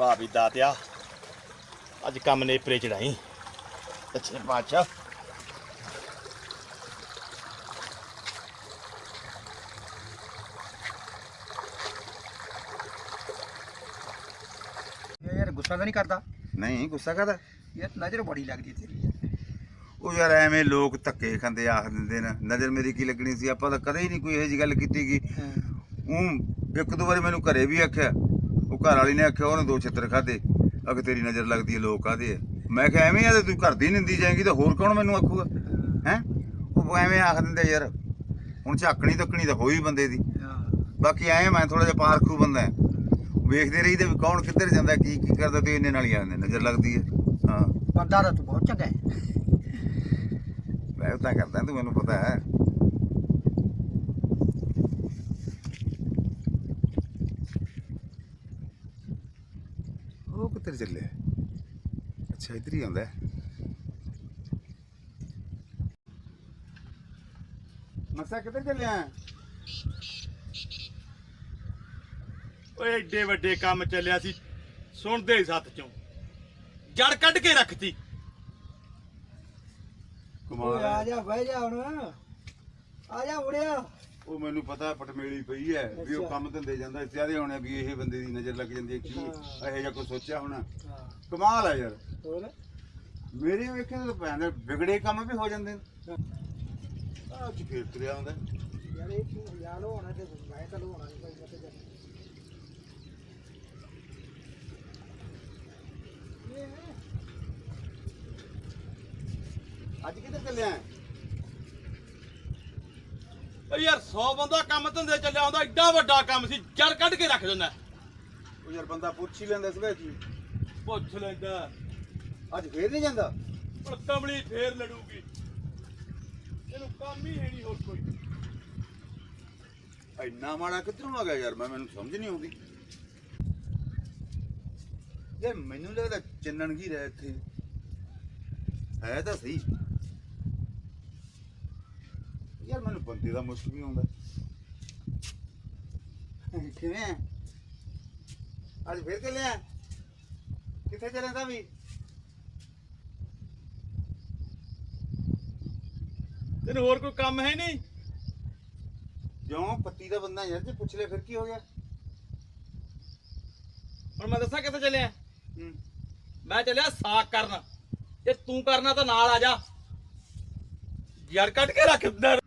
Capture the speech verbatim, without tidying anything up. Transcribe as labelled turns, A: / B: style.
A: वाह भी दातिया अज कम नेपरे चढ़ाई अच्छे पातशाह।
B: यार गुस्सा तो नहीं करता?
C: नहीं गुस्सा करदा
B: यार नजर बड़ी लगदी तेरी।
C: ਉਹ ਯਾਰ ਐਵੇਂ ਲੋਕ ਧੱਕੇ ਖਾਂਦੇ ਆਖ ਦਿੰਦੇ ਨੇ ਨਜ਼ਰ ਮੇਰੀ ਕੀ ਲੱਗਣੀ ਸੀ ਆਪਾਂ ਤਾਂ ਕਦੇ ਹੀ ਨਹੀਂ ਕੋਈ ਇਹੋ ਜਿਹੀ ਗੱਲ ਕੀਤੀ ਗੀ। ਉਹ ਇੱਕ ਦੋ ਵਾਰੀ ਮੈਨੂੰ ਘਰੇ ਵੀ ਆਖਿਆ ਉਹ ਘਰ ਵਾਲੀ ਨੇ ਆਖਿਆ ਉਹਨੇ ਦੋ ਛਿੱਤਰ ਖਾਦੇ ਅਗ ਤੇਰੀ ਨਜ਼ਰ ਲੱਗਦੀ ਹੈ ਲੋਕ ਕਾਹਦੇ ਆ ਮੈਂ ਕਿਹਾ ਐਵੇਂ ਆ ਤੇ ਤੂੰ ਘਰ ਦੀ ਨਿੰਦੀ ਜਾਏਗੀ ਤਾਂ ਹੋਰ ਕੌਣ ਮੈਨੂੰ ਆਖੂਗਾ ਹੈ ਉਹ ਐਵੇਂ ਆਖ ਦਿੰਦੇ ਯਾਰ ਹੁਣ ਝਾਕਣੀ ਤੱਕਣੀ ਤਾਂ ਹੋਈ ਬੰਦੇ ਦੀ ਬਾਕੀ ਐ ਮੈਂ ਥੋੜਾ ਜਿਹਾ ਪਾਰਖੂ ਬੰਦਾ ਵੇਖਦੇ ਰਹੀਦੇ ਵੀ ਕੌਣ ਕਿੱਧਰ ਜਾਂਦਾ ਕੀ ਕੀ ਕਰਦਾ ਤੇ ਇਹਨੇ ਨਾਲ ਹੀ ਆਉਂਦੇ ਨਜ਼ਰ ਲੱਗਦੀ ਹੈ। ਹਾਂ
B: ਬੰਦਾ ਤਾਂ ਤੂੰ ਬਹੁਤ ਚੰਗਾ ਹੈ।
C: ਮੈਂ ਤਾਂ ਕਰਦਾ ਤੂੰ ਮੈਨੂੰ ਪਤਾ ਹੈ। ਉਹ ਕਿੱਧਰ ਚੱਲੇ ਅੱਛਾ ਇੱਧਰ ਹੀ ਆਉਂਦਾ ਮਸਾ ਕਿੱਧਰ ਚੱਲਿਆ
A: ਓਏ ਏਡੇ ਵੱਡੇ ਕੰਮ ਚੱਲਿਆ ਸੀ ਸੁਣਦੇ ਹੀ ਸੱਤ ਚੋਂ ਜੜ ਕੱਢ ਕੇ ਰੱਖਤੀ।
C: ਕਮਾਲ
B: ਆ ਜਾ ਬਹਿ ਜਾ ਹੁਣ ਆ ਜਾ ਮੁੜਿਆ।
C: ਉਹ ਮੈਨੂੰ ਪਤਾ ਪਟਮੇਲੀ ਪਈ ਹੈ ਵੀ ਉਹ ਕੰਮ ਧੰਦੇ ਜਾਂਦਾ ਸਿਆਦੇ ਹੋਣੇ ਵੀ ਇਹ ਬੰਦੇ ਦੀ ਨਜ਼ਰ ਲੱਗ ਜਾਂਦੀ ਹੈ ਕੀ ਇਹੋ ਜਿਹਾ ਕੋਈ ਸੋਚਿਆ ਹੋਣਾ। ਕਮਾਲ ਹੈ ਯਾਰ
B: ਹੋਰ
C: ਮੇਰੇ ਵੇਖੇ ਤਾਂ ਭੈਣ ਵਿਗੜੇ ਕੰਮ ਵੀ ਹੋ ਜਾਂਦੇ ਨੇ ਅੱਜ ਫੇਰ ਤੁਰਿਆ ਆਉਂਦਾ
B: ਯਾਰ ਇਹ ਕੀ ਯਾਰ ਹੋਣਾ ਤੇ ਮੈਂ ਤਾਂ ਹੋਣਾ ਨਹੀਂ ਭਾਈ ਮਤੇ ਜਾ
C: ਅੱਜ ਕਿੱਧਰ ਚੱਲਿਆ
A: ਓ ਯਾਰ ਸੌ ਬੰਦਾ ਕੰਮ ਧੰਦੇ ਚੱਲਿਆ ਹੁੰਦਾ ਏਡਾ ਵੱਡਾ ਕੰਮ ਸੀ ਜੜ ਕੱਢ ਕੇ ਰੱਖ ਦਿੰਦਾ।
C: ਉਹ ਯਾਰ ਬੰਦਾ ਪੁੱਛ ਹੀ ਲੈਂਦਾ ਸਵੇ ਜੀ
A: ਪੁੱਛ ਲੈਂਦਾ
C: ਅੱਜ ਫੇਰ ਨਹੀਂ ਜਾਂਦਾ
A: ਪਰ ਕਮਲੀ ਫੇਰ ਲੜੂਗੀ ਇਹਨੂੰ ਕੰਮ ਹੀ ਹੈ ਨਹੀਂ ਹੋਰ ਕੋਈ।
C: ਇੰਨਾ ਮਾੜਾ ਕਿੱਧਰੋਂ ਆ ਗਿਆ ਯਾਰ ਮੈਂ ਮੈਨੂੰ ਸਮਝ ਨਹੀਂ ਆਉਂਦੀ ਯਾਰ ਮੈਨੂੰ ਲੱਗਦਾ ਚੰਨਣ ਕੀ ਰਹਿ ਇੱਥੇ ਹੈ ਤਾਂ ਸਹੀ ਯਾਰ ਮੈਨੂੰ ਬੰਦੇ ਦਾ ਮੁਸ਼ਕ ਵੀ ਆਉਂਦਾ ਕਿਵੇਂ ਅੱਜ ਫੇਰ ਚੱਲਿਆ ਕਿੱਥੇ ਚੱਲਿਆ ਤਾਂ ਵੀ
A: ਤੈਨੂੰ ਹੋਰ ਕੋਈ ਕੰਮ ਹੈ ਨਹੀਂ
C: ਕਿਉਂ ਪੱਤੀ ਦਾ ਬੰਦਾ ਯਾਰ ਜੇ ਪੁੱਛ ਲੈ ਫਿਰ ਕੀ ਹੋ ਗਿਆ
A: ਹੁਣ ਮੈਂ ਦੱਸਾਂ ਕਿੱਥੇ ਚੱਲਿਆ ਮੈਂ ਚੱਲਿਆ ਸਾਕ ਕਰਨ ਜੇ ਤੂੰ ਕਰਨਾ ਤਾਂ ਨਾਲ ਆ ਜਾ ਜੜ ਕੱਢ ਕੇ ਰੱਖ ਦਿੰਦਾ।